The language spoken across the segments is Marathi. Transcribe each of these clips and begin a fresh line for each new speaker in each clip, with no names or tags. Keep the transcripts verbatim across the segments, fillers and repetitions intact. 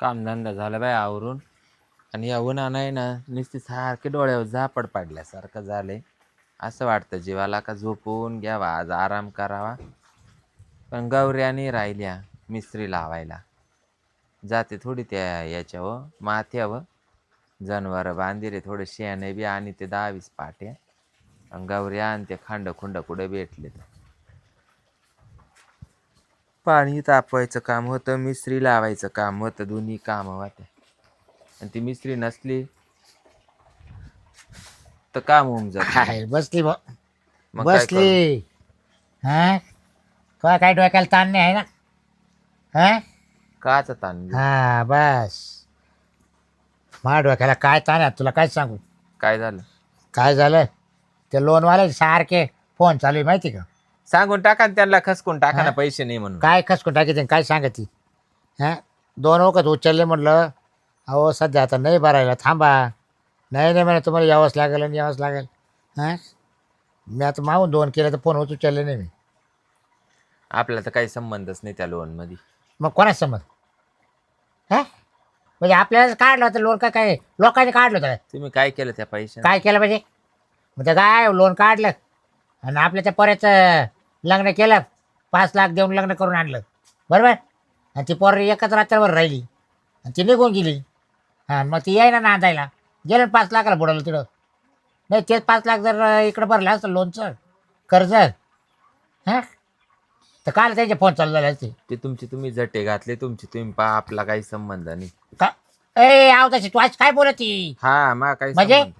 कामधंदा झाला बाय आवरून आणि या उन्हा नाही ना नुसती सारखे डोळ्यावर झापड पाडल्यासारखं झालंय. असं वाटतं जीवाला का झोपून घ्यावा आज आराम करावा. पण गौऱ्यानी राहिल्या मिस्त्री लावायला जाते थोडी त्या याच्यावर माथ्यावर जनावर बांधिले थोडे शेणे बी आणि ते दहावीस पाट्या आणि गौऱ्या आणि ते खांड खुंड कुठे भेटले. पाणी तापवायचं काम होतं मिस्त्री लावायचं काम होतं दोन्ही कामं होते आणि ती मिस्त्री नसली तर काम होऊन जात.
बसली ब
मग काय करू
बसली हा तुला काय डोक्याला ताण नाही आहे ना हा
काचा ताण घेऊ?
हा बस माझ्या डोक्याला काय ताण आहे तुला काय सांगू.
काय झालं
काय झालं ते लोनवाले सारखे फोन चालू आहे माहिती का.
सांगून टाका ना त्यांना खसकून टाका ना
हा?
पैसे नाही म्हणून.
काय खसकून टाकी काय सांगती हां दोन वखत उचलले म्हटलं अहो सध्या आता नाही भरायला थांबा. नाही नाही म्हणे तुम्हाला यावंच लागेल आणि यावंच लागेल. हां मी आता मागून दोन केलं तर फोन उचलले नाही मी.
आपला तर काही संबंधच नाही त्या लोन मध्ये.
मग कोणाच समज हां म्हणजे आपल्याला काढलं होतं लोन का काय लोकांनी काढलं होतं काय
तुम्ही काय केलं त्या पैसे?
काय केलं म्हणजे मग ते काय लोन काढलं आणि आपल्या त्या पोऱ्याचं लग्न केलं पाच लाख देऊन लग्न करून आणलं बरोबर. आणि ती पोर एकच रात्रभर राहिली आणि ती निघून गेली. हां मग ती याय ना नांदायला गेलं पाच लाखाला बुडवलं तिकडं. नाही तेच पाच लाख जर इकडं भरलं असतं लोनचं कर्ज हां तर काल त्यांचे फोन चालू झाले असते.
ते तुमची तुम्ही जटे घातले तुमची तुम्ही पहा आपला काही संबंध नाही.
का ए आव तशी तू आज काय बोलत ती
हा मा काही
म्हणजे?
संबंध.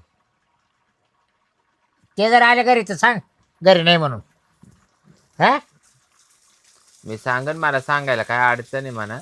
ते जर आले घरी तर सांग घरी नाही म्हणून. हा
मी सांगन मला सांगायला काय अडचण आहे म्हणा.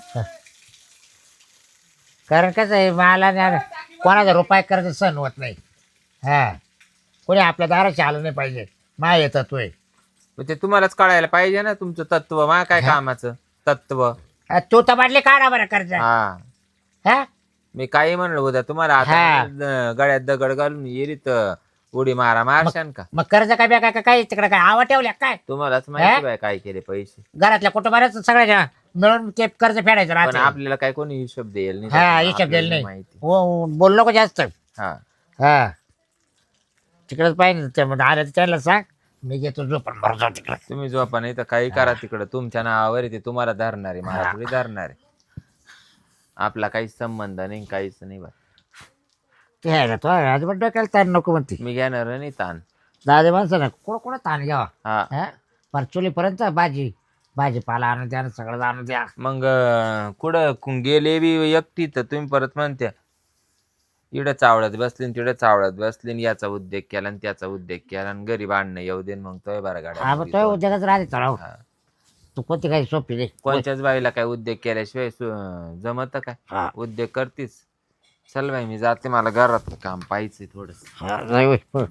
कारण कसं आहे मला ना कोणाचा रुपये कर्ज सहन होत नाही. हा कोणी आपल्या दाराशी आलं नाही पाहिजे मा येतात तू
मग ते तुम्हालाच कळायला पाहिजे ना तुमचं तत्व मा काय कामाचं तत्व.
तू तर बाटली काढा बरं कर्ज.
हा
हा
मी काही म्हणलो उद्या तुम्हाला आता
हा.
द- गळ्यात दगड घालून येरी तर उडी मारा मारशान का?
मग कर्ज काय काय काय काय तिकडे काय आवा ठेवल्या काय
तुम्हालाच माहिती बाय काय केले पैसे.
घरातल्या कुटुंबालाच सगळ्या मिळून ते कर्ज फेडायचं
पण
राहते.
आपल्याला काय कोणी हिशोब देईल नाही
हा
त्याचा.
हिशोब
आपल्याला
दिला नाही
माहिती.
हो बोल नको जास्त.
हा
हा तिकडेच पाहिजे त्यामध्ये आलं तर त्याला सांग मी घेतो झोपून भरतो तिकडे.
तुम्ही झोपा नाही तर काही करा तिकडं तुमच्या नावावर आहे ते तुम्हाला धरणार आहे मला थोडी धरणार आहे. आपला काहीच संबंध नाही काहीच नाही बा.
ते आहे ना तो अजिबात डोक्याला ताण नको म्हणते.
मी घेणार नाही ताण.
दादे माणसं ना कोण कोण ताण घ्यावा.
हा
हा पर चुलीपर्यंत भाजी भाजीपाला आणून द्या सगळं आणून द्या.
मग अं, कुठं कु- गेले बी एकटी तर तुम्ही परत म्हणत्या इकडं चावळत बसली न तिकडं चावळत बसली न याचा उद्योग केला आणि त्याचा उद्योग केला आणि घरी भांडणं येऊ दे न मग तोय बरं
हा मग तो
गाड्या.
उद्योगच राहते चढाव.
हा.
तू कोणती काही सोपी दे.
कोणत्याच बाईला काय उद्योग केल्याशिवाय जमत काय?
हा
उद्योग करतीस. चल बाई मी जाते मला घरात काम पाहिजे थोडस.
हा जाय होय. हो.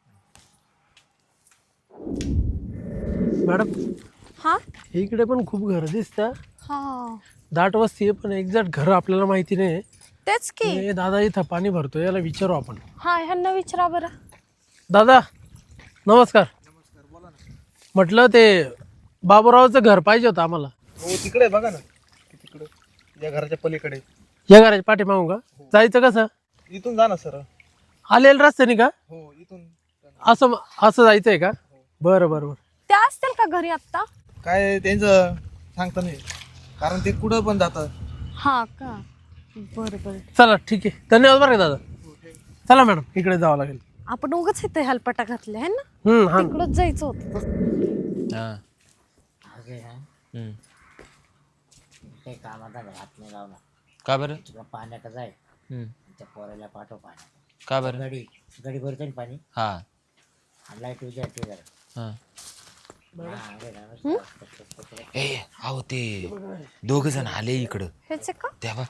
मॅडम
हा
इकडे पण खूप घर दिसतं.
हा
दाट वस्ती आहे पण एक्झॅक्ट घर आपल्याला माहिती नाही.
तेच की
हे दादा इथं पाणी भरतो याला विचारू आपण.
हा ह्यांना विचारा बरं.
दादा नमस्कार. म्हटलं ते बाबूरावचं घर पाहिजे होतं आम्हाला.
हो तिकडे बघा ना तिकडे या घराच्या पलीकडे.
या घराच्या पाठीमागून का जायचं कसं?
इथून जा ना सर.
आलेलं रस्त्याने का?
हो इथून.
असं असं जायचंय का? बरं बरं बरं.
त्या असतील का घरी आत्ता?
काय त्यांचं सांगता नाही कारण ते कुठं पण जातात.
हा का बरं बरं.
चला ठीक आहे धन्यवाद बरं का दादा. चला मॅडम इकडे जावं लागेल.
आपण उगाच इथे हेलपटा घातले है ना.
हम्म हा
तिकडच जायचं होतं.
हा
अगे हा,
हम्म.
काही कामाचा हात नाही लावला.
का बरं?
तुला पाण्याचं जाय
हम्म.
त्या पोराला पाठव पाणी.
का बरं?
गडी गडी भरतो ना पाणी.
हा
आणि लाईट उद्या ते जरा.
हा.
हा, अरे राम.
ए अहो ते दोघ जण आले इकडं
हेच आहे का?
तेव्हा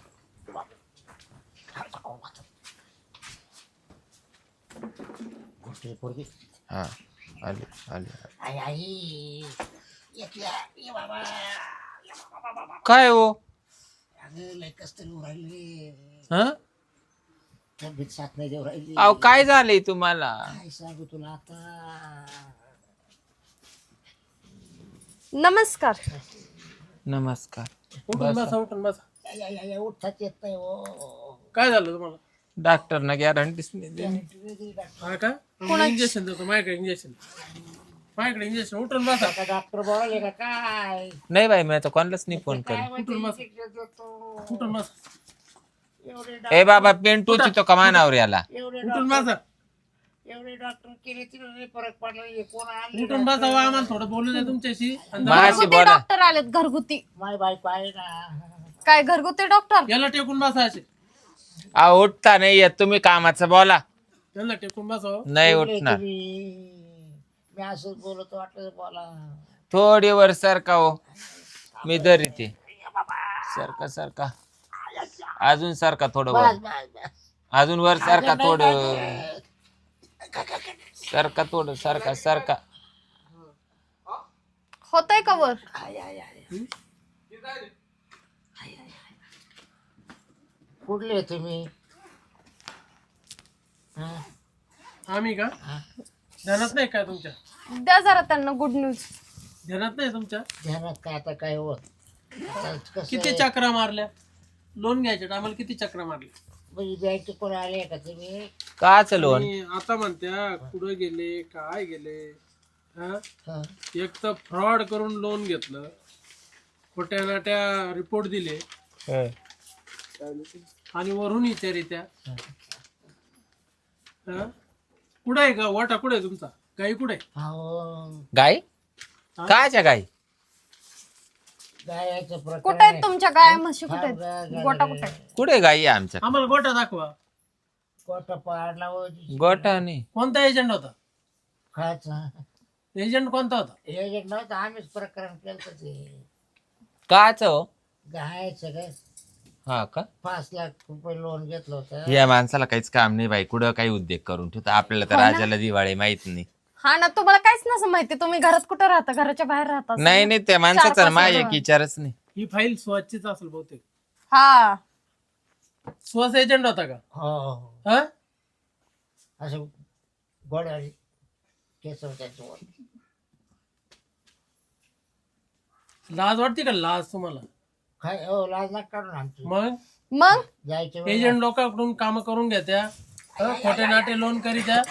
गोष्टी पोरगी.
हा आले आले.
आई आई एक या ये बाबा.
काय हो?
अगं लय कष्ट देऊ राहिले.
हा
तब्येत साथ नाही देऊ राहिली.
अहो काय झालंय तुम्हाला?
काय सांगू तुला आता.
नमस्कार.
नमस्कार.
उठून बसा उठून बसा.
उठताच येत नाही हो.
काय झालं तुम्हाला?
डॉक्टरनं गॅरंटीच नाही दिली.
हा का? इंजेक्शन देतो माझ्याकडे. इंजेक्शन माझ्याकडे इंजेक्शन. उठून बसा.
आता डॉक्टर बोलावले का काय?
नाही बाई मी आता कोणालाच नाही फोन
काय
करेन.
म्हणते
उठून बस.
injection देतो.
उठून बसा.
एवढे
ए बाबा पेंटूची तो कमानावर याला.
एवढे
उठून
डॉक्टर
बसा.
एवढे डॉक्टर केले तिला नाही फरक पडला. हे कोण आणले
उठून बसा वा, आम्हाला थोडं बोलू द्या तुमच्याशी. आणि
माझी
घरगुती
बोला.
डॉक्टर आलेत घरगुती.
माय बायको आहे ना.
काय घरगुती डॉक्टर?
याला टेकून बसा असे.
आ उठता नाही येत तुम्ही कामाचं बोला.
याला टेकून बसा.
नाही
बोलले
उठणार.
तुम्ही. मी असंच बोलतो वाटलं बोला.
थोडी वर सरका हो. मी दरी ते सरका सरका अजून सरका थोडं वर.
बस बस बस.
अजून वर सरका थोडं. सरका थोडं सरका सरका.
होतंय का वर?
कुठले तुम्ही? हा?
आम्ही का? ध्यानात नाही काय तुमच्या?
द्या जरा त्यांना गुड न्यूज.
ध्यानात नाही तुमच्या?
ध्यानात काय आता काय होत आता कसं
किती
आहे,
चक्रा मारल्या? लोन घ्यायचे आम्हाला किती चक्रा मारल्या?
म्हणजे बँकेत कोण आले का तुम्ही?
काच लोन.
आणि आता म्हणत्या कुठं गेले काय गेले? हा?
हा.
एक तर फ्रॉड करून लोन घेतलं, खोट्या नाट्या रिपोर्ट दिले आणि वरून विचारित्या. हा? कुठं आहे का वाटा? कुठे आहे तुमचा? गाई कुठे आहे?
अहो,
गाय कायच्या गाय?
गायाचं प्रकरण
कुठे आहेत
आहे.
तुमच्या गाय म्हशी? कुठे
थांब
आहेत?
गा-
गोटा
गा-
कुठे आहे?
कुठे गाई आहे आमच्या?
आम्हाला गोटा दाखवा.
गोटा पाडला हो.
गोठा नाही.
कोणता एजंट होता?
खायचा
एजंट कोणता होता?
हे नव्हतं आम्हीच प्रकरण केलं ते.
काच हो?
गायचं काय
हा का?
पाच लाख रुपये लोन घेतलं होतं.
या माणसाला काहीच काम नाही बाई. कुठं काही उद्योग करून ठेवतो. आपल्याला तर
हो ना.
राजाला दिवाळी माहित नाही.
हा ना, तुम्हाला काहीच नसं माहिती. तुम्ही घरात कुठं राहता? घराच्या बाहेर राहता असं
नाही
ना?
नाही त्या माणसाचा
पाच
माझ्या
वर्ष.
एक विचारच नाही.
ही फाईल स्वच्छच असेल बहुतेक.
हा.
स्वस एजंट होता का?
हो हो हो.
हा?
असं गोड्यावाली केस त्याचं वर.
लाज वाटते का? लाज तुम्हाला?
काय हो लाज नका काढून आमची.
मग
मग
जायच्या
एजंट
वेळेला
लोकांकडून काम करून घेत्या, हं? खोटे नाटे लोन करीत्या,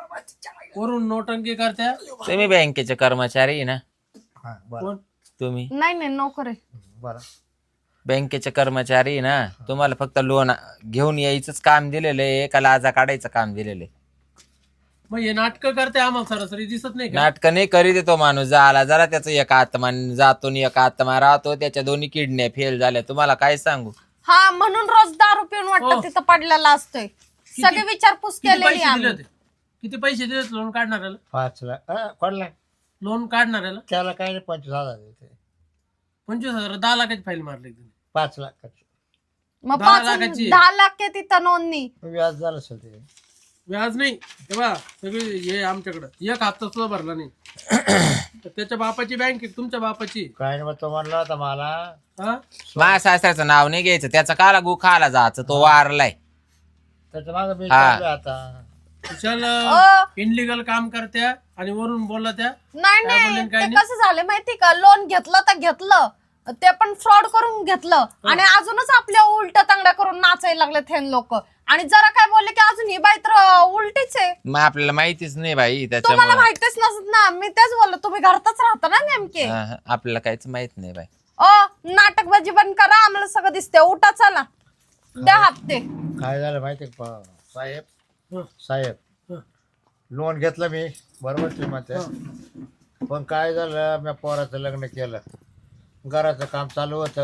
वरून नोटंकी करत्या.
तुम्ही बँकेचे कर्मचारी आहे ना?
हा, बरं
कोण?
तुम्ही
नाही नाही नोकर आहे.
बरं
बँकेचे कर्मचारी आहे ना? तुम्हाला फक्त लोन घेऊन यायचंच काम दिलेलं आहे का लाजा काढायचं काम दिलेलं आहे?
मग हे नाटक करते आम्हाला सरासरी दिसत नाही का?
नाटक नाही करीत आहे तो माणूस. झाला जरा त्याचं एक आत्मा जातो आणि एक आत्मा राहतो. त्याच्या दोन्ही किडन्या फेल झाल्या. तुम्हाला काय सांगू?
हा, म्हणून रोज दारू पिऊन
हो.
वाटतं तिथं पडलेला असतोय. सगळी विचारपूस
किती
केलेली
पैसे दिले
आम्ही.
होते? किती पैसे दिले होते लोन काढणाऱ्याला?
पाच लाख अं, कोणला
लोन काढणाऱ्याला
त्याला काही नाही पंचवीस हजार देते.
पंचवीस हजार दहा लाखाची फाईल मारली तुम्ही.
पाच लाखाची
मग
दहा
पाच
लाखाची.
दहा लाख आहे तिथं नोंदणी.
व्याज झालं असेल ते.
व्याज नाही तेव्हा सगळे हे आमच्याकडं एक हप्ता सुद्धा भरला नाही. तर त्याच्या बापाची बँक आहे तुमच्या बापाची.
काय नाही मग तो म्हणला होता मला
हा?
माझ्या सासऱ्याचं नाव नाही घ्यायचं. त्याचा काला गु खाला जायचं. तो वारलाय.
त्याच्या मागे मी
हा.
चाललोय आता.
कुशाल
अ,
इनलिगल काम करत्या आणि वरून बोलला त्या.
नाही
काय
नाही
बोलले, काय
ते
नाही?
कसं झालं माहिती का? लोन घेतलं तर घेतलं, ते पण फ्रॉड करून घेतलं आणि अजूनच आपल्या उलट तांगड्या करून नाचायला लागले हे लोक. आणि जरा काय बोलले की अजून ही बाई तर उलटीच आहे.
मग आपल्याला माहितीच नाही बाई
तुम्हाला
त्याच्यामुळे.
माहितीच नसत ना. मी तेच बोललो, तुम्ही घरातच राहता ना नेमके.
हा, हा. आपल्याला काहीच माहित नाही बाई.
अ नाटकबाजी बंद करा. आम्हाला सगळं दिसते. उठा चला, द्या हप्ते.
काय झालं माहिती का पा- साहेब
हं.
साहेब
हं.
लोन घेतलं मी बरोबर तुम्ही म्हणते. पण काय झालं मी पोराचं लग्न केलं. घराचं काम चालू होतं.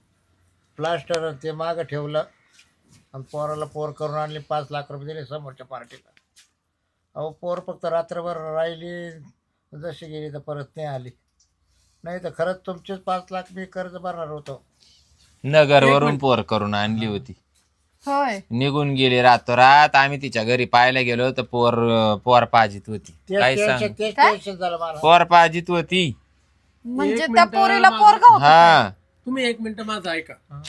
प्लास्टर ते मागं ठेवलं आणि पोराला पोर करून आणली. पाच लाख रुपये दिले समोरच्या पार्टीला. अहो पोर फक्त रात्रभर राहिली, जशी गेली तर परत नाही आली. नाही तर खरंच तुमचेच पाच लाख मी कर्ज भरणार होतो.
नगरवरून पोर करून आणली होती.
होय.
निघून गेली रातोरात. आम्ही तिच्या घरी पाहायला गेलो तर पोर पोर पाजित होती.
तेच
काय
टेन्शन
सांग?
तेच
काय?
टेन्शन झालं मला.
पोर पाजित होती.
म्हणजे
एक
त्या
मिनिटं
पोरीला
माझं-
पोरगा होता.
हा.
तुम्ही एक मिनिट माझं ऐका.
हं.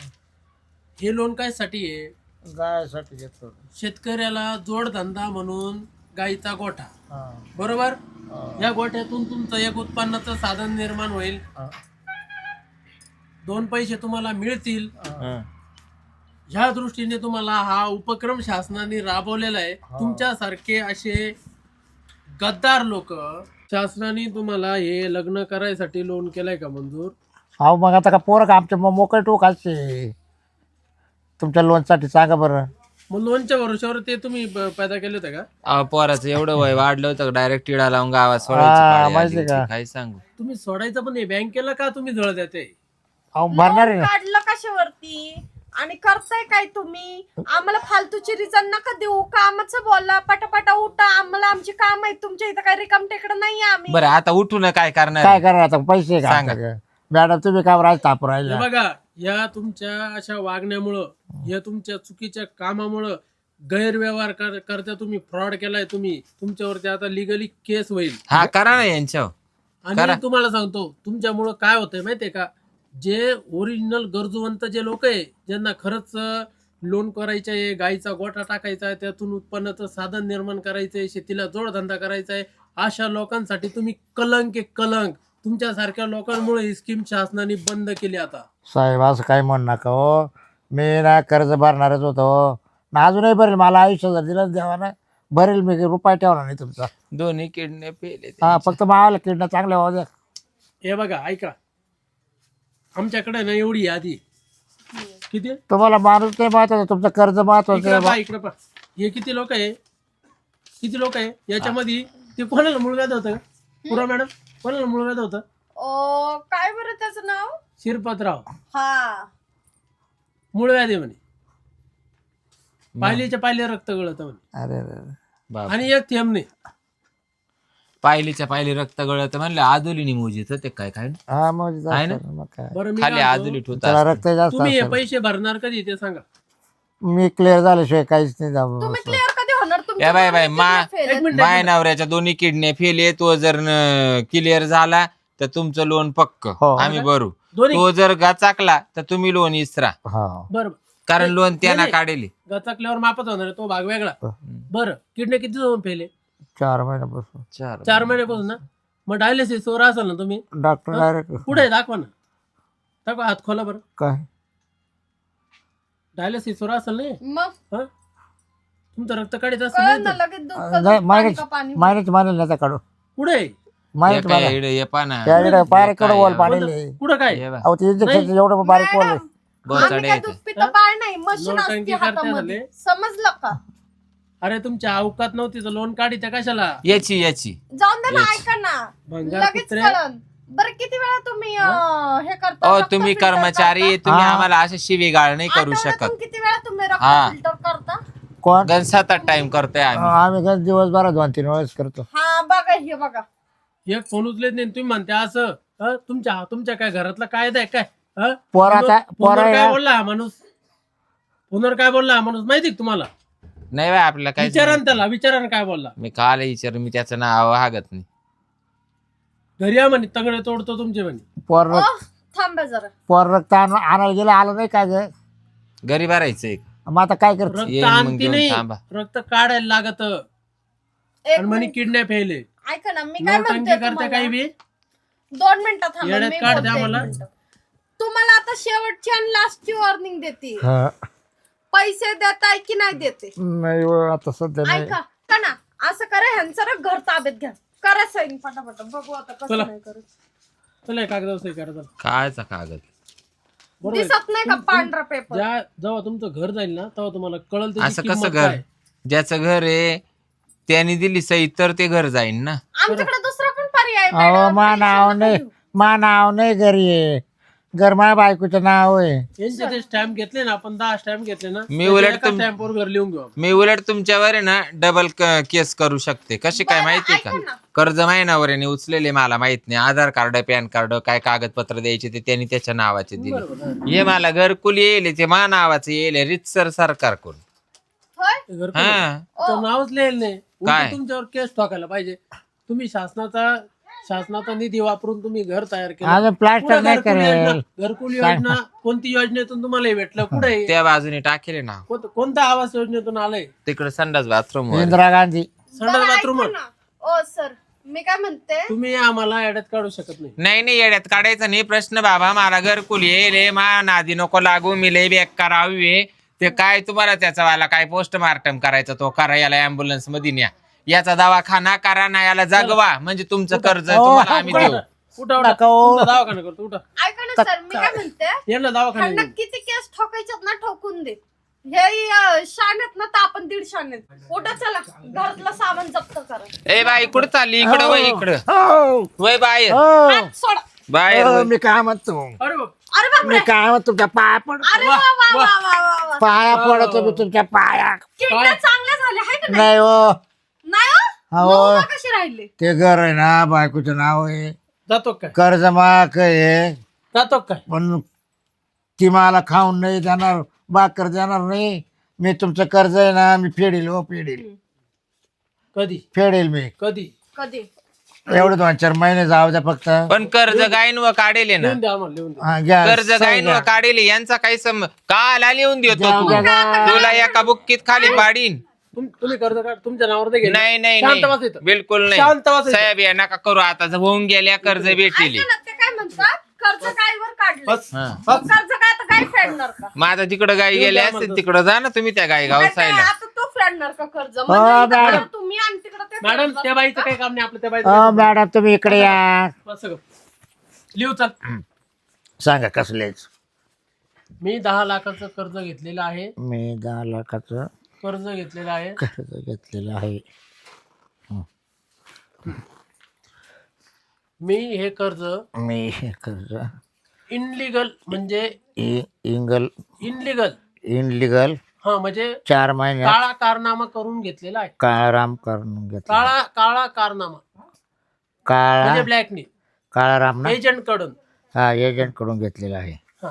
हे लोन काय साठी आहे?
गायासाठी घेतलं होतं.
शेतकऱ्याला जोडधंदा म्हणून गाईचा गोठा,
हां
बरोबर?
हां
या गोठ्यातून तुमचं एक उत्पन्नाचं साधन निर्माण होईल.
हां
दोन पैसे तुम्हाला मिळतील
हं.
ह्या दृष्टीने तुम्हाला हा उपक्रम शासनाने राबवलेला आहे. तुमच्यासारखे असे गद्दार लोक शासनाने तुम्हाला हे लग्न करायसाठी लोन केलंय का मंजूर?
अहो मग आता का पोरं का आमच्या मग मोकळे टोक असते तुमच्या लोनसाठी सांगा बरं.
मग लोनच्या भरोश्यावर ते तुम्ही ब- पैदा केले होते का?
अहो, पोराचं एवढं वय वाढलं होतं डायरेक्ट टिडा लावून गावात
हा,
सोडायची पाळी आली
माहिती
होती.
का?
काय सांगू.
तुम्ही सोडायचं पण हे बँकेला का तुम्ही जळ देते?
अहो भरणार आहे
लोन
ना.
काढलं कशावरती आणि करताय काय तुम्ही? आम्हाला फालतूची रिझन नका देऊ. कामाचं बोला, पटापटा उठा. आम्हाला आमची काम आहेत. तुमच्या इथं काही रिकाम टेकडं नाही आम्ही.
बरं आता उठून काय करणार
काय
आहे?
करणार आता पैसे का
सांगा.
आमच्याकडे? मॅडम तुम्ही काय राज ताप
हे
राहिला.
बघा, या तुमच्या अशा वागण्यामुळं या तुमच्या चुकीच्या कामामुळं गैरव्यवहार कर- करता तुम्ही फ्रॉड केलाय तुम्ही. तुमच्यावरती आता लिगली केस होईल.
हा करा ना यांच्यावर. करा.
आणि तुम्हाला सांगतो तुमच्यामुळं काय होतंय माहितीये का, जे ओरिजिनल गरजूवंत जे लोक आहे ज्यांना खरंच लोन करायचं आहे, गाईचा गोठा टाकायचा आहे, त्यातून उत्पन्नाचं साधन निर्माण करायचं आहे, शेतीला जोडधंदा करायचा आहे, अशा लोकांसाठी तुम्ही कलंक आहे कलंक. तुमच्यासारख्या लोकांमुळे ही स्कीम शासनाने बंद केली आता.
साहेब असं काय म्हणू नका हो. मी ना कर्ज भरणारच होतो ना, अजूनही भरेल. मला आयुष्य जर दिलं देवा ना भरेल. मी रुपये ठेवणार नाही तुमचा.
दोन्ही किडने पेले
हा फक्त मावाला किडनं चांगल्या व्हावं द्या.
हे बघा ऐका, आमच्याकडे ना एवढी यादी किती आहे?
तुम्हाला माणूस नाही महत्वाचा, तुमचं कर्ज महत्वाचं
इकडे
आहे
पहा,
बा.
इकडे पहा. हे किती लोक आहे? किती लोक आहे याच्यामध्ये? ते कोणाला मूळ व्याध होतं? पुरा मॅडम कोणाला मूळ व्याध होतं?
ओ, काय बरं त्याचं नाव?
शिरपतराव.
हा,
मूळ व्याधी म्हणे. पायलीच्या पायली रक्त गळत म्हणे.
अरे अरे अरे.
बाप.
आणि एक थेंब नाही.
पायलीच्या पायली रक्त गळत म्हणलं आदुलीनी मोजीत ते काय काय
हा मग जास्त
आहे ना?
आहे, मग काय.
बरं मी
खाली
काय म्हणतो,
आदुली ठेवता
त्याला रक्त जास्त
तुम्ही हे
असेल.
पैसे भरणार कधी ते सांगा.
मी क्लिअर झाल्याशिवाय काहीच नाही जाऊ.
तुम्ही क्लिअर कधी होणार?
या बाय बाय मा
एक मिनिट
माय नवऱ्याच्या दोन्ही किडने फेल आहे. तो जर क्लिअर झाला तर तुमचं लोन पक्क
हो.
आम्ही भरू.
दोन्ही
तो जर गाचाकला तर तुम्ही लोन इसरा,
हा
बरं
कारण लोन त्यांना
नाही.
काढेल.
गचाकल्यावर मापत होणार आहे, तो भाग वेगळा. बरं किडने किती जाऊन फेले?
चार महिन्यापासून
चार
चार महिन्यापासून ना. मग डायलिसिस वर असाल ना तुम्ही?
डॉक्टर डायरेक्ट
पुढे दाखवा ना, दाखवा हात खोला बरं.
काय
डायलिसिस वर असेल नाही
मग
हं? तुमचं रक्त काढायचं
कळलं
असेल
ना
नाही तर.
लगेच दूध
नाही,
का दूध, पाणी
मायनेच
का पाणी.
मायनेच मानेल नाही काढू.
पुढे
मायनेच मानेल त्याकडे बारीक कडं वॉल पाडेल.
पुढे काय?
अहो ते इंजेक्शन एवढं बारीक वॉल आहे.
आम्ही काय दूध पितो पाय नाही, मशीन
नोटंकी
असते
करते
हातामध्ये.
झाले.
समजलं का?
अरे तुमच्या अवकात नव्हती तर लोन काढी त्या कशाला?
याची याची
जाऊन दे ना,
येस.
ऐका ना,
भंगार
लगेच
कुत्रे.
कळन. बरं किती वेळा तुम्ही अं, हे करता?
ओ
रक्त
तुम्ही
filter
कर्मचारी
करता?
आहे, तुम्ही
हा.
आम्हाला असे शिवीगाळ नाही करू
आठवड्यातून
शकत.
किती वेळा तुम्ही रक्त
हा.
फिल्टर करता?
कोण
गण सात आठ टाइम करतोय आम्ही.
आम्ही गण दिवसभरात दोन तीन वेळेस करतो.
हा बघा, हे बघा.
एक फोन उचलेत नाही तुम्ही म्हणते असं. हं? तुमच्या तुमच्या काय घरातला कायदा आहे काय? हं?
पोर आता-
फोनवर-
पोर
फोनवर काय
आहे.
बोलला हा माणूस? फोनवर काय बोलला हा माणूस माहिती का तुम्हाला?
नाही बाय आपल्याला काय
विचारा ना त्याला, विचारा ना काय बोलला.
मी काल विचार मी त्याचं नाव हागत नाही.
घरी या म्हणे, तंगडे तोडतो तुमचे म्हणे.
पोर
ओ, थांबा जरा.
पोर रक्त आण- आणायला गेलं आलं नाही काय ग.
घरी भरायचं एक.
मग आता काय करतो.
रक्त
येईन मग
आणती
घेऊन
नाही,
थांबा.
रक्त काढायला लागत.
एक
आणि म्हणे
मिनिट.
किडनॅप यायले.
ऐका ना, मी काय
नौटंकी
म्हणते
करते काही
तुम्हाला.
बी.
दोन मिनिटं थांबा,
येड्यात
मी
काढ
बोलते
द्या
एक
मला.
मिनिटं. तुम्हाला आता शेवटची आणि लास्टची वॉर्निंग देते.
हा.
पैसे देताय की नाही देते?
नाही हो, आता सध्या नाही.
ऐका का ना, असं करा, ह्यांचं ना घर ताब्यात घ्या. करा साईन पटापट. बघू आता कसं
चला.
नाही करत.
चला हे कागदावर सही करा चला.
कायचा कागद.
बरोबर आहे.
दिसत नाही का पांढरा पेपर?
ज्या जेव्हा तुमचं घर जाईल ना तेव्हा तुम्हाला कळल त्याची
असं
किंमत
कसं घर
काय.
ज्याचं घर आहे त्याने दिली सही तर ते घर जाईन ना.
आमच्याकडे दुसरा पण पर्याय आहे,
अहो
मॅडम.
मा
टेन्शन
नाव
नका
नाही
घेऊ.
मा नाव नाही घरी आहे. घर माझ्या बायकोचं नाव आहे.
यांचे ते स्टॅम्प घेतले ना आपण, दहा स्टॅम्प घेतले ना,
मी उलट तुम-
स्टॅम्पवर घर लिहून घेऊ आपण.
मी उलट तुमच्यावर आहे ना डबल केस करू शकते. कशी काय
बरं,
माहितीये
ऐका
का?
ना.
कर्ज महिनावर याने उचलेले मला माहित नाही. आधार कार्ड पॅन कार्ड काय कागदपत्र द्यायचे ते त्यांनी त्याच्या नावाचे दिले.
बरोबर आहे.
हे मला घरकुल येईल ते मा नावाचं येईल रितसर सरकार कोण.
होय?
ते घर
हा
तर नावच लिहिलं नाही. उलट
काय?
तुमच्यावर केस टाकायला पाहिजे. तुम्ही शासनाचा शासनाचा निधी वापरून तुम्ही घर तयार केलं.
अजून प्लास्टर
कुठं
नाही
घरकुल
करेल.
योजना- घरकुल योजना कोणती योजनेतून तुम्हाला हे भेटलं? कुठे
त्या बाजूने टाकेले ना
कोणत्या आवास योजनेतून आलंय?
तिकडे संडास बाथरूम वर.
इंदिरा गांधी
संडास
बरं,
बाथरूम
ऐका ना. ओ सर, मी काय म्हणते
तुम्ही आम्हाला ऍड्यात काढू शकत नाही.
नाही नाही येड्यात काढायचं नाही प्रश्न बाबा. मला घरकुल येईल मा नादी नको लागू. मी लय बेक करावी ते काय तुम्हाला त्याचा वाला काय पोस्टमार्टम करायचं तो करा. याला अँब्युलन्स मध्ये न्या. याचा दवाखाना करा ना. याला जगवा म्हणजे तुमचं कर्ज तुम्हाला आम्ही देऊ.
उठा उठा
नका हो.
तुमचा दवाखाना करतो उठा.
ऐका ना सर मी काय म्हणते
यांना दवाखाना
ह्यांना
घेऊन.
किती केस ठोकायच्यात ना ठोकून दे. हे शाण्यात ना तर आपण दीड शाण्यात उठा चला घरातलं सामान जप्त करा.
ए बाई कुठं चालली इकडं वय इकडं
हो.
वय बाहेर
हो.
हात सोडा.
बाहेर
हो,
वय.
मी काय म्हणतो
अरे बाप.
अरे बापरे
मी काय म्हणतो तुमच्या पाया पड
अरे वा वा वा वा वा वा
पाया पडतो मी तुमच्या पाया.
किडण्या चांगल्या झाल्या आहे का नाही?
नाही हो
नाही हो?
हो.
मग उभा कशी राहिले
ते घर आहे ना बायकोचं नाव आहे
जातो काय
कर्ज माक आहे
जातो काय.
पण ती मला खाऊन नाही देणार भाकर देणार नाही. मी तुमचं कर्ज आहे ना मी फेडेल हो फेडेल
कधी
फेडेल मी
कधी
कधी
एवढं दोन चार महिने जाऊ द्या फक्त.
पण कर्ज गायन काढेल ना.
लिहून द्या आम्हाला लिहून द्या.
हा, घ्या.
कर्ज गायन
घ्या.
काढेल यांचा काही सम काला लिहून देतो
घ्या,
तू.
घ्या, घ्या.
तुला एका बुक्कीत खाली पाडीन.
तुम- तुम्ही कर्ज काढ तुमच्या नावावर ते घे.
नाही नाही
शांत
नाही
बस इथं.
बिलकुल
शांत
नाही
बस इथं.
साहेब या नका करू. आता जर होऊन गेल्या कर्ज भेटेल.
ऐका ना ते काय म्हणतात कर्ज काय वर काढलं
बस
हा.
बस.
कर्ज काय तर काय फेडणार का
माझा तिकडं गाई
येऊ
गेले
द्या
असते
मला.
तिकडं जा ना तुम्ही त्या गाई
काय काय,
गावसायला.
आता तो फेडणार का कर्ज
हो,
म्हणजे इथं
मॅडम.
तुम्ही आणि तिकडे ते
मॅडम
फेडणार.
त्या बाईचं काही काम नाही आपलं त्या
हो
बाईचं.
मॅडम तुम्ही इकडे या.
बस सगळं. लिहू चल.
सांगा कसलेच.
मी दहा लाखाचं कर्ज घेतलेलं आहे.
मी दहा लाखाचं
कर्ज घेतलेलं आहे.
कर्ज घेतलेलं आहे.
मी हे कर्ज
मी हे कर्ज
इनलिगल म्हणजे
इ- इंगल
इनलिगल
इनलिगल
हा म्हणजे
चार महिन्यात
काळा कारनामा करून घेतलेला आहे.
काळाराम करून घेतला.
काळा काळा कारनामा म्हणजे
काळा
ब्लॅकनी
काळाराम ना
एजंट कडून.
हा एजंट कडून घेतलेला आहे.
हा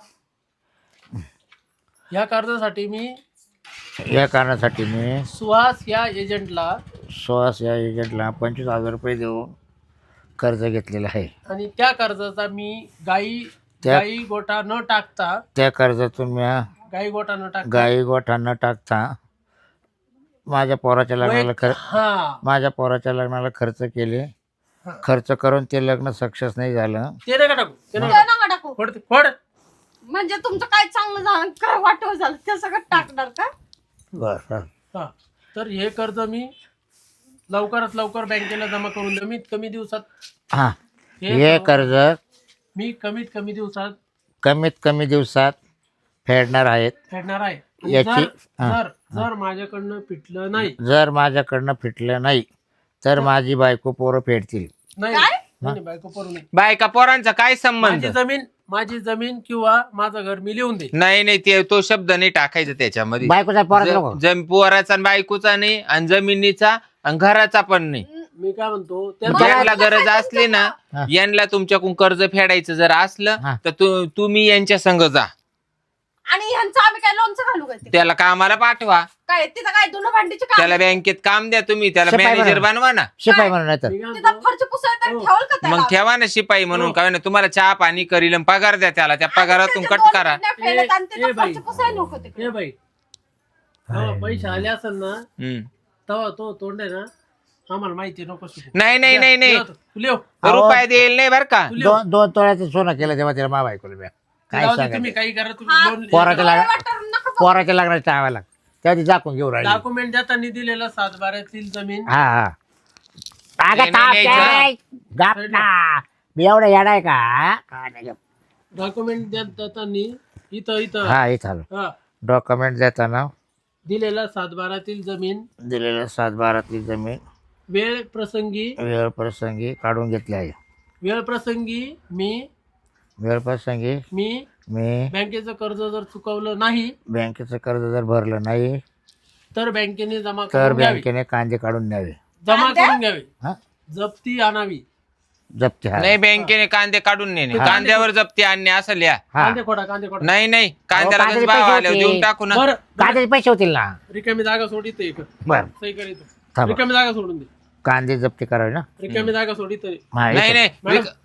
या कर्जासाठी मी
या कारणासाठी मी
सुहास या एजंटला
सुहास या एजंटला पंचवीस हजार रुपये देऊन कर्ज घेतलेलं आहे.
आणि त्या कर्जाचा मी गाई
त्या-
गाई गोठा न टाकता
त्या कर्जातून मी
गाई गोठा न टाकता
गाई गोठा न टाकता माझ्या पोराच्या लग्नाला
वैयक्तिक-
खर
हा
माझ्या पोराच्या लग्नाला खर्च केले.
हा.
खर्च करून ते लग्न सक्सेस नाही झालं.
ते नका टाकू ते
ते
नका
नका टाकू
फोड ते, फोड.
म्हणजे तुमचं काय चांगलं झालं काय वाटव झालं ते सगळं टाकणार का
बरं
हा तर हे कर्ज मी लवकरात लवकर बँकेला जमा करून देऊ. कमीत कमी दिवसात
हा
हे
हे कर्ज
मी कमीत कमी दिवसात
कमीत कमी दिवसात फेडणार आहेत.
फेडणार आहे. आणि
याची-
जर
हा.
जर जर माझ्याकडनं फिटलं नाही
जर माझ्याकडनं फिटलं नाही तर माझी बायको पोरं फेडतील.
नाही
काय?
नाही, बायको पडू नये.
बायका पोरांचा काय संबंध.
माझी जमीन माझी जमीन किंवा माझं घर मी लिहून दे.
नाही नाही ते तो शब्द नाही टाकायचा त्याच्यामध्ये.
बायकोचा पोराचा नको.
ज- जम पोराचा आणि बायकोचा नाही आणि जमिनीचा आणि घराचा पण नाही.
मी काय म्हणतो त्या
यांना गरज असली ना
हा.
यांना तुमच्याकडून कर्ज फेडायचं जर असलं
हा.
तर तु- तुम्ही यांच्या संग जा.
आणि ह्यांचं आम्ही काय लोणचं घालू काय तिथे?
त्याला कामाला पाठवा.
काय तिथं काय दोन भांडीचे काम
त्याला बँकेत काम द्या तुम्ही. त्याला
शिपाई
मॅनेजर
बनवा.
बनवा ना.
शिपाई म्हणून नाही तर
मी काय
तिथं
म्हणतो,
फरची पुसायला
हो.
ठेवल का त्याला?
मग ठेवा ना शिपाई म्हणून.
हो.
काय ना तुम्हाला चहा पाणी करील आणि पगार द्या त्याला. त्या
आणि
पगारातून
त्याचे
कट
दोन
करा.
किडनॅप केलेत आणि
ए-
तिथं
ए बाई.
फरची पुसायला नको तिकडे.
ए बाई तेव्हा पैसे आले असेल ना
हम्म.
तेव्हा तो तोंड आहे ना आम्हाला माहिती आहे, नको शिकू.
नाही नाही नाही नाही
लिह तू, लिह.
अहो.
रुपये देईल नाही बर का.
तू लिह.
दोन दोन तोळ्याचं सोनं केलं तेव्हा तिला मा बायकोला मी काय
जाऊ दे,
सांगायचं.
तुम्ही काही करा तुम्ही
हा.
लोन
पोराच्या
डोळे
लाग
वाटारून नका बघू.
पोराच्या लग्नाच्या टाळायला तेव्हा ती जाकून घेऊन राहिली.
डॉक्युमेंट देताना दिलेला सात बारातील जमीन
हा हा
नाही,
अगं ताप
नाही,
काय? गप ना. मी एवढं येणार आहे का काय नाही गप.
डॉक्युमेंट देताना इथं इथं
हा हे चालू
हा
डॉक्युमेंट देताना
दिलेला सात बारातील जमीन
दिलेलं सात बारातली जमीन
वेळ प्रसंगी
वेळ प्रसंगी काढून घेतली आहे.
वेळ प्रसंगी मी
वेळ प्रसंगी
मी
मी
बँकेचं कर्ज जर चुकवलं नाही
बँकेचं कर्ज जर भरलं नाही
तर बँकेने जमा
तर
करून घ्यावी.
बँकेने कांदे काढून न्यावे.
जमा
कांदे?
करून घ्यावी.
हा
जप्ती आणावी.
जप्ती हा
नाही बँकेने कांदे काढून नेणे.
हा.
कांद्यावर जप्ती आणणे असं लिहा.
हा
कांदे खोडा कांदे खोडा.
नाही नाही कांद्याला
कांद्याचे
गंज भाव
पैसे
आल्यावर
होते.
देऊन टाकू ना.
बरं
कांद्याचे पैसे होतील ना.
रिकामी जागा सोडित एक
बर
सही करीत
थांबा.
रिकामी जागा सोडून दे.
कांदे जप्ती करावे ना.
रिकामी जागा सोडित
हा,
नाही
येतो.
नाही
मॅडम.
विक-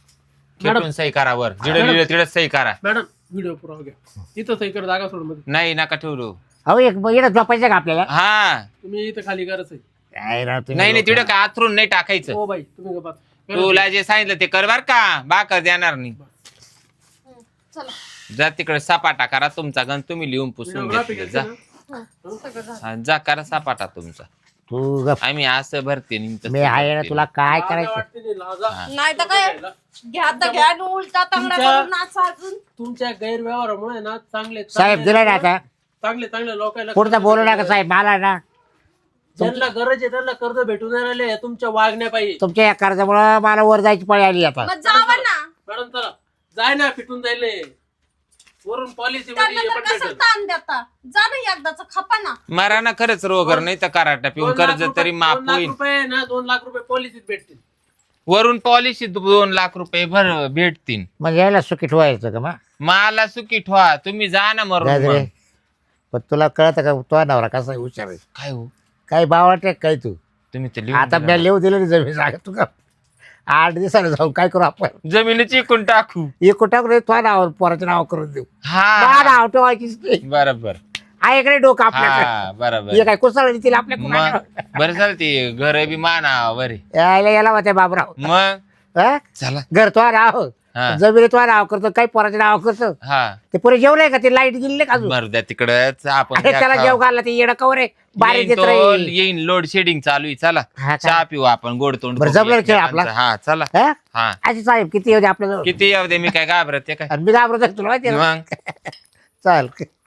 खेटून सही करा वर. जिडं लिहिलं तिडं सही करा.
मॅडम व्हिडिओ पुरावा घ्या. इथं सही कर जागा सोड मध्ये.
नाही नका ठेवलो.
अहो एक इकडे झोपायचं का आपल्याला.
हा
तुम्ही इथं खाली करच आहे.
काय राव तुम्ही
नाही नाही
लोकं.
तिकडे काय आथरून नाही टाकायचं.
हो बाई तुम्ही गप्पा.
तुला जे सांगितलं ते कर बर का, बाकर देणार नाही.
चला
जा तिकडे सपाटा करा तुमचा गण, तुम्ही लिहून पुसून
Videography
घेतलं.
घेतली
जा
ना?
सगळं झालं.
हा, जा करा सपाटा तुमचा.
तू गप.
आम्ही असं भरते नाही तसं
मी आहे ना
भरते.
तुला काय
लाजा
करायचं
वाटते नाही, लाजा.
नाही तर काय घ्या तर घ्या आणि उलटा तांगडा
तुमच्या-
करून नाचा अजून.
तुमच्या गैरव्यवहारामुळे ना चांगले
साहेब
चांगले
दिलं ना आता
चांगले चांगले लोकांना
पुढचं बोलू नका साहेब मला ना
ज्यांना गरज आहे त्यांना कर्ज भेटून नाही राहिले तुमच्या वागण्या पाहिजे.
तुमच्या या कर्जामुळं मला वर जायची पळी आली आता
मग जावा ना
मॅडम चला जाय ना फिटून जायले वरून पॉलिसी
त्यांना
मध्ये हे
तर
पण
कसं
भेटेल.
ताण देता. जा ना एकदाचा खपा ना.
मारा ना खरंच रोगर नाही तर कराटा पिऊन
दोन लाख
कर्ज
रुपये-
तरी माफ
दोन लाख
होईल.
रुपये ना दोन लाख रुपये पॉलिसीत भेटतील.
वरून पॉलिसी दोन लाख रुपये भर भेटतील.
मग यायला सुखी ठेवायचं का मग
मला सुकी ठेवा, तुम्ही जा ना मरून
गाजरे
मग.
पण तुला कळतं का तो नवरा कसा आहे, हुशार आहे
काय हो
काही बावटे काय तू
तुम्ही ते लिहून
आता
दिलं
मी लिहू दिलं जमीन सांग तू का आठ दिवसाला जाऊ काय करू आपण
ना. जमिनीची इकून टाकू.
एक टाकून तो नाव पोराचं नाव करून देऊ बा
हा
नाव ठेवायचीच नाही
बरोबर.
आहे इकडे डोकं आपल्याकडे
हा बरोबर.
हे काय कुसळ देतील आपल्या
मग बरं झालं ते घर बी मानावर आहे.
यायला याला होते बाबराव
मग
हा?
चला.
घर तो नाव
हा.
जमिनी तो नाव करतो काही पोराचं नाव करतो
हा
ते पुरे जेवलंय का ते लाईट गेली नाही का अजून
मरू द्या तिकडच आपण
अरे त्याला
त्या
जेव
खाऊ.
घालला ते येडं कवर आहे बारीक
येईन
देत
तो-
राहील
येईन लोड शेडिंग चालू आहे. चला
हा,
चहा
चला.
पिऊ आपण गोड तोंड
बरं,
करू
जमलं खेळ आपला?
एकमेकांचं. हा चला.
हा?
हा
अशी साहेब किती होते आपल्याजवळ
किती येऊ दे मी काय घाबरत आहे काय
आणि मी घाबरत आहे, तुला माहिती आहे ना
मग
चाल